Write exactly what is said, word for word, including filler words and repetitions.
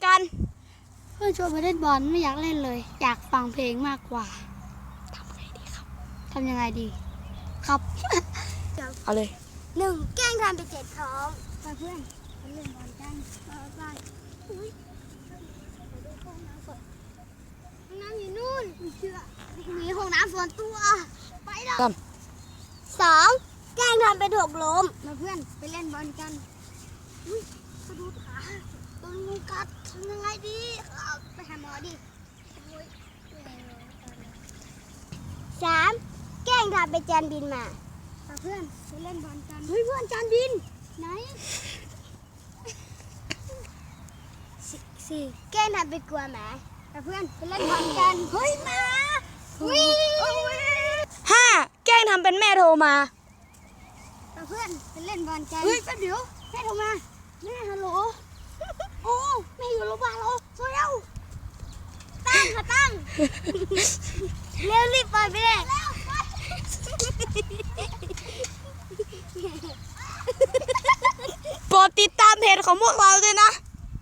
กันเพื่อนชวนไปเล่นบอลไม่อยากเล่นเลย อยากฟังเพลงมากกว่าทำไงดีครับทำยังไงดีครับเอาเลยหนึ่งแกล้งทำไปเจ็บท้องไปเพื่อนไปเล่นบอลกันไปไปอุ้ยไปดูห้องน้ำก่อนห้องน้ำอยู่นู่นไม่เชื่อมีห้องน้ำส่วนตัวไปแล้วครับสองแกล้งทำไปถูกล้มมาเพื่อนไปเล่นบอลกันอุ้ยกระดูกขาโดนงูกัดทำยังไงดีครับไปหาหมอดิโอ้ยสามแกล้งทำไปจานบินมาไปเพื่อนไปเล่นบอลกันเฮ้ยเพื่อนจานบินไหนสี่สี่แกล้งทำไปกลัวหมาไปเพื่อนไปเล่นบอลกันเฮ้ยหมาวิ่งห้าแกล้งทำเป็นแม่โทรมาไปเพื่อนไปเล่นบอลกันเฮ้ยแป๊บเดี๋ยวแม่โทรมาแม่ฮัลโหลโอ้แม่อยู่โรงพยาบาลแล้วโซเร็วตั้งค่ะตั้ง เร็วรีบปล่อยไปเลยโปรดติดตามเพจของพวกเราด้วยนะ